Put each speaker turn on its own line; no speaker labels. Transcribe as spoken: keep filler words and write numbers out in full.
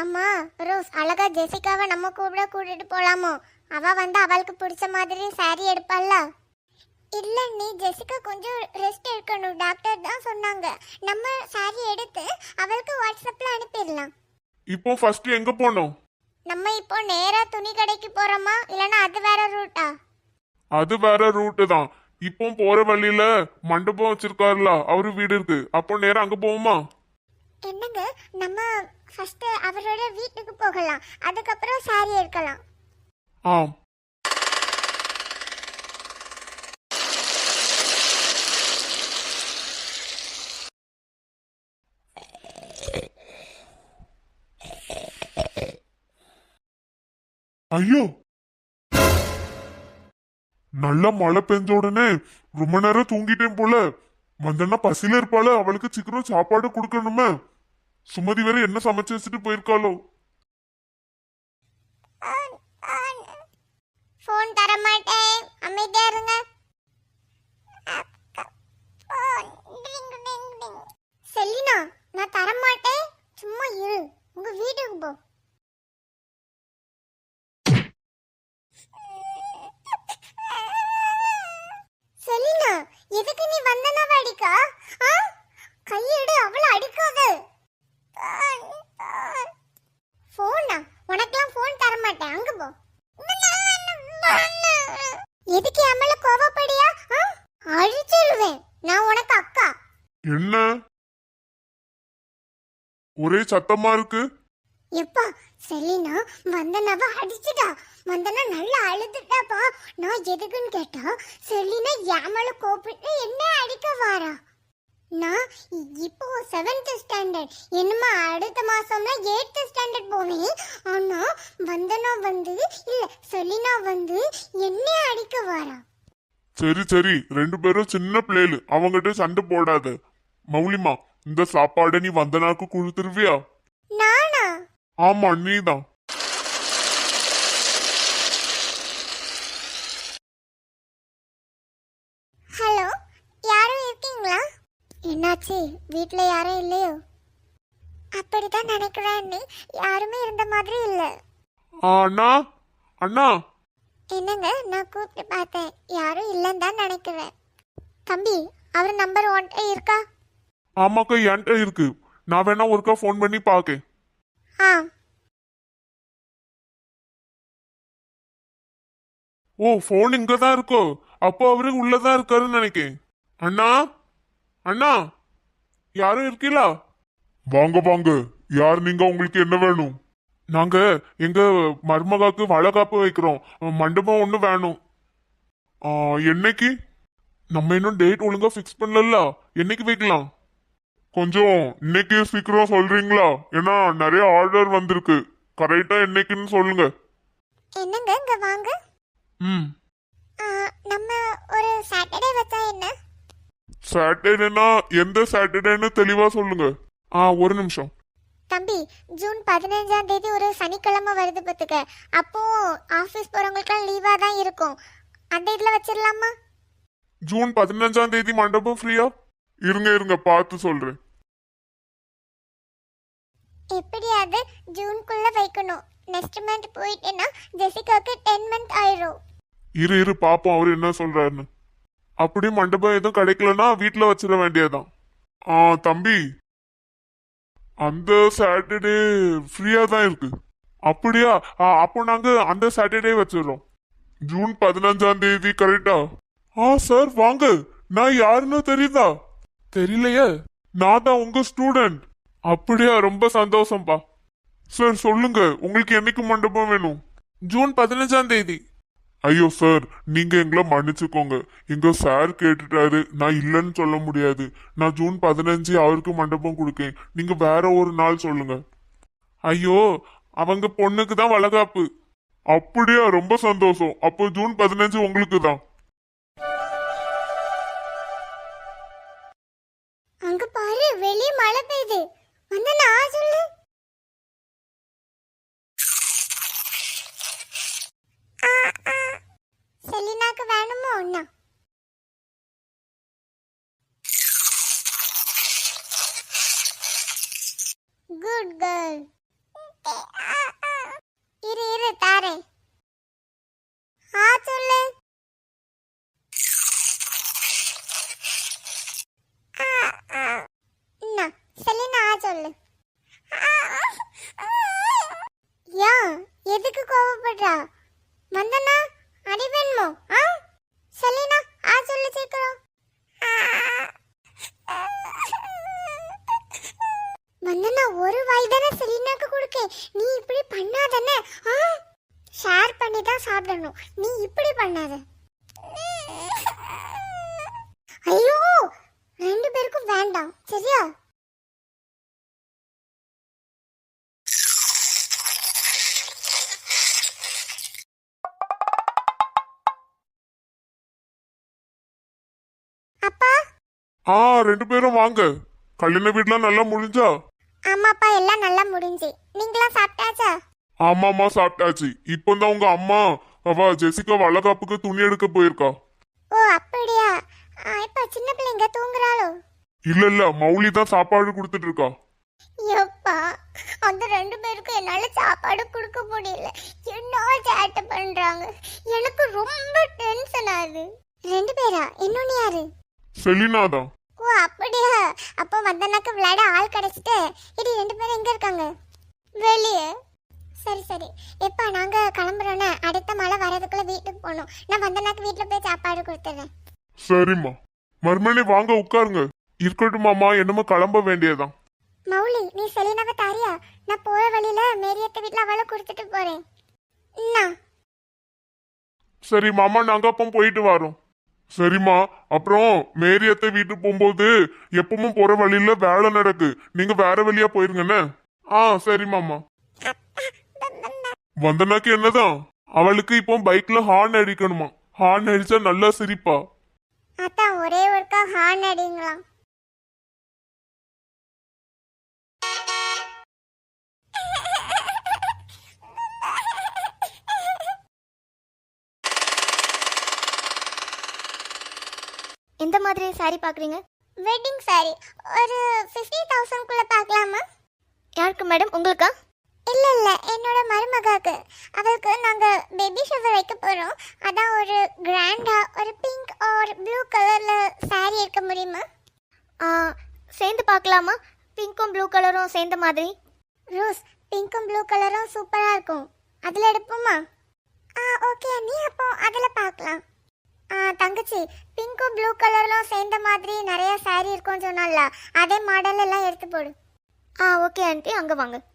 ஆமா ரோஸ், அழகா ஜெசிகாவை நம்ம கூட கூட்டிட்டு போலாமோ? அவ வந்து அவளுக்கு பிடிச்ச மாதிரி சாரி எடுப்பாள்ல. இல்ல நீ ஜெசிகா கொஞ்சம் ரெஸ்ட் எடுக்கணும், டாக்டர் தான் சொன்னாங்க. நம்ம சாரி எடுத்து அவளுக்கு வாட்ஸ்அப்ல அனுப்பிடலாம்.
இப்போ ஃபர்ஸ்ட் எங்க போனோம்?
நம்ம இப்போ நேரா துணி கடைக்கு போறோமா, இல்லனா அது வேற ரூட்டா?
அது வேற ரூட்டு தான். இப்போ போற வழியில மண்டபம் வச்சிருக்காருல, அவரு வீடு இருக்கு. அப்போ நேரம் அங்க போவோமா?
என்னங்க, நம்ம ஃபர்ஸ்ட் அவரோட வீட்டுக்கு போகலாம், அதுக்கப்புறம் சாரி எடுக்கலாம்.
ஆம். ஐயோ, நல்ல மழை பெஞ்ச உடனே ரொம்ப நேரம் தூங்கிட்டேன் போல. வந்தனா பசியில இருப்பாள, அவளுக்கு சீக்கிரம் சாப்பாடு கொடுக்கணுமே. சுமதி வேற என்ன சமைச்சு வச்சுட்டு போயிருக்காளோ.
ஃபோன் தர மாட்டேன், அமைதியா இருங்க. செலினா, நான் தர மாட்டேன், சும்மா இரு, உங்க வீட்டுக்கு போ. செலினா, எதுக்கு நீ வந்தனவ அடிக்கா? கையெடு, அவளை அடிக்காத. போனா உனக்கெல்லாம் போன் தர மாட்டேன், அங்க போ. எதுக்கு அம்மல கோவப்படியா? அழிச்சிடுவேன், நான் உனக்கு அக்கா.
என்ன ஒரே சத்தமா இருக்கு?
எப்பா, செலினா வந்தனவ அடிச்சுட்டா. வந்தனா நல்லா அழுதுட்டாப்பா. நான் எதுக்குன்னு கேட்டா, செலினா யாமல கோப்பிட்டு என்ன அடிக்க வாரா. நான் இப்போ செவன்த் ஸ்டாண்டர்ட், என்னமா அடுத்த மாசம்னா எயித் ஸ்டாண்டர்ட் போவேன். ஆனா வந்தனா வந்து இல்ல செலினா வந்து என்ன அடிக்க வாரா.
சரி சரி, ரெண்டு பேரும் சின்ன பிள்ளைகள், அவங்கிட்ட சண்டை போடாத. மௌலிமா, இந்த சாப்பாடை நீ வந்தனாக்கு கொடுத்துருவியா?
நானா?
ஆமா, நீதான்.
ஹலோ, யாரும் இருக்கீங்களா? என்னாச்சு, வீட்ல யாரும் இல்லையோ? அப்படிதான் நினைக்கிறேன், யாருமே இருந்த மாதிரி இல்ல.
அண்ணா அண்ணா.
என்னங்க, நான் கூப்பிட்டு பார்த்தேன், யாரும் இல்லைன்னு தான் நினைக்கிறேன். தம்பி, அவர் நம்பர் ஒன்ட்ட இருக்கா?
ஆமாக்கா, என்கிட்ட இருக்கு. நான் வேணா ஒருக்கா ஃபோன் பண்ணி பாக்கேன்.
ஆ.
ஓ, ஃபோன் இங்கதான் இருக்கோ? அப்போ அவரு உள்ளதான் இருக்காருன்னு நினைக்கேன். அண்ணா அண்ணா, யாரும் இருக்கீங்களா? வாங்க வாங்க, யார் நீங்க? உங்களுக்கு என்ன வேணும்? நாங்க எங்க மருமகாக்கு வளகாப்பு வைக்கிறோம், மண்டபம் ஒண்ணு வேணும். என்னைக்கு? நம்ம இன்னும் டேட் ஒழுங்கா ஃபிக்ஸ் பண்ணல, என்னைக்கு வைக்கலாம்? கொஞ்சம் இன்னைக்கு சீக்கிரம் சொல்றீங்களா? ஏன்னா நிறைய ஆர்டர் வந்திருக்கு. கரெக்டா என்னைக்குன்னு சொல்லுங்க.
என்னங்க, இங்க வாங்க.
ம்.
நம்ம ஒரு சாட்டர்டே வச்சா என்ன?
சாட்டர்டேனா எந்த சாட்டர்டேன்னு தெளிவா சொல்லுங்க. ஆ, ஒரு நிமிஷம்.
தம்பி, ஜூன் பதினஞ்சாம் தேதி ஒரு சனிக்கிழமை வருது பத்துக்க. அப்போ ஆபீஸ் போறவங்களுக்குலாம் லீவா தான் இருக்கும். அந்த இதுல வச்சிடலாமா?
ஜூன் பதினஞ்சாம் தேதி மண்டபம் ஃப்ரீயா? இருங்க இருங்க, பார்த்து சொல்றேன்.
எப்படியாவது ஜூன்குள்ள வைக்கணும். நெக்ஸ்ட் மந்த் போயிட்டேன்னா ஜெசிகாக்கு டென் மந்த் ஆயிரும்.
இரு இரு பாப்போம் அவரு என்ன சொல்றாருன்னு. அப்படி மண்டபம் எதுவும் கிடைக்கலன்னா வீட்டுல வச்சிட வேண்டியதான். ஆ தம்பி, அந்த சாட்டர்டே ஃப்ரீயா தான் இருக்கு. அப்படியா? அப்போ நாங்க அந்த சாட்டர்டே வச்சிடறோம். ஜூன் பதினஞ்சாம் தேதி கரெக்டா? ஆ சார் வாங்க. நான் யாருன்னு தெரியுதா? தெரியலையே. நான் தான் உங்க ஸ்டூடெண்ட். அப்படியா? ரொம்ப சந்தோஷம்பா. சார் சொல்லுங்க, உங்களுக்கு என்னைக்கு மண்டபம் வேணும்? ஜூன் பதினஞ்சாம் தேதி. ஐயோ சார், நீங்க எங்களை மன்னிச்சுக்கோங்க. எங்க சார் கேட்டுட்டாரு, நான் இல்லைன்னு சொல்ல முடியாது. நான் ஜூன் பதினஞ்சு அவருக்கு மண்டபம் கொடுக்கேன், நீங்க வேற ஒரு நாள் சொல்லுங்க. ஐயோ, அவங்க பொண்ணுக்கு தான் வளகாப்பு. அப்படியா? ரொம்ப சந்தோஷம். அப்போ ஜூன் பதினஞ்சு உங்களுக்கு தான்.
அங்க பாரு, வெளிய மழை பெய்யுது. வந்து நான் சொல்லு. செலினாக்கு வேணுமோ ஒண்ணா? Good girl. இருக்கணும். நீ இப்படி பண்ணாத. ஐயோ, ரெண்டு பேருக்கும் வேண்டாம், சரியா? அப்பா.
ஆ ரெண்டு பேரும் வாங்க. கல்யாண வீட்டுலாம் நல்லா முடிஞ்சா?
ஆமாப்பா, எல்லாம் நல்லா முடிஞ்சு. நீங்களாம் சாப்பிட்டாச்சா?
ஆமாமா சாப்பிட்டாச்சு. இப்போதான் உங்க அம்மா அவ ஜெசிகா வளகாப்புக்கு துணி எடுக்க போயிருக்கா.
ஓ அப்படியா? இப்ப சின்ன பிள்ளைங்க தூங்குறாளோ?
இல்ல இல்ல, மௌலி தான் சாப்பாடு கொடுத்துட்டு இருக்கா.
எப்பா, அந்த ரெண்டு பேருக்கு என்னால சாப்பாடு கொடுக்க முடியல. என்ன சேட்டை பண்றாங்க, எனக்கு ரொம்ப டென்ஷன் ஆகுது. ரெண்டு பேரா? இன்னொன்னு யாரு?
செலினா தான்.
ஓ அப்படியா? அப்போ வந்தனாக்கு விளையாட ஆள் கிடைச்சிட்டு. இது ரெண்டு பேரும் எங்க இருக்காங்க? வெளியே. சரி சரி. எப்பா நாங்க கிளம்புறோன்னு, அடுத்த மழை வரதுக்குள்ள வீட்டுக்கு போகணும். நான் வந்தனாக்கு வீட்டுல போய் சாப்பாடு கொடுத்துறேன்.
சரிம்மா. மறுமணி வாங்க உட்காருங்க. இருக்கட்டுமாமா, என்னமோ கிளம்ப வேண்டியதான்.
மௌலி, நீ செலினாவை தாரியா? நான் போற வழியில மேரியத்த வீட்டுல அவளை கொடுத்துட்டு போறேன். என்ன?
சரி மாமா, நாங்க அப்போ போயிட்டு வரோம். சரிம்மா. அப்புறம் மேரியத்தை வீட்டுக்கு போகும்போது எப்பவும் போற வழியில வேலை நடக்கு, நீங்க வேற வழியா போயிருங்கண்ணே. ஆ சரி மாமா. வந்தனாக்கு என்னதான், அவளுக்கு இப்போ பைக்ல ஹார்ன் அடிக்கணுமா. ஹார்ன் அடிச்சா நல்லா சிரிப்பா.
அதான் ஒரே ஒருக்கா ஹார்ன் அடிங்களா?
எந்த மாதிரி சாரி பார்க்குறீங்க?
வெட்டிங் சாரி ஒரு ஃபிஃப்டி தௌசண்ட் குள்ள பார்க்கலாமா?
யாருக்கு மேடம், உங்களுக்கா?
இல்ல இல்ல, என்னோட மருமகாக்கு. அவளுக்கு நாங்க பேபி ஷவர் வைக்க போறோம். அதான் ஒரு கிராண்டா ஒரு பிங்க் ஆர் ப்ளூ கலர்ல சாரி எடுக்க முடியுமா?
ஆ, சேர்ந்து பார்க்கலாமா? பிங்க்கும் ப்ளூ கலரும் சேர்ந்த மாதிரி.
ரோஸ், பிங்க்கும் ப்ளூ கலரும் சூப்பரா இருக்கும். அதுல எடுப்போமா? ஆ ஓகே நீ, அப்போ அதுல பார்க்கலாம். ஆ தங்கச்சி, பிங்க்கும் ப்ளூ கலர்லாம் சேர்ந்த மாதிரி நிறைய சாரி இருக்கும்னு சொன்னால, அதே மாடல் எல்லாம் எடுத்து போடு.
ஆ ஓகே ஆண்டி, அங்கே வாங்க.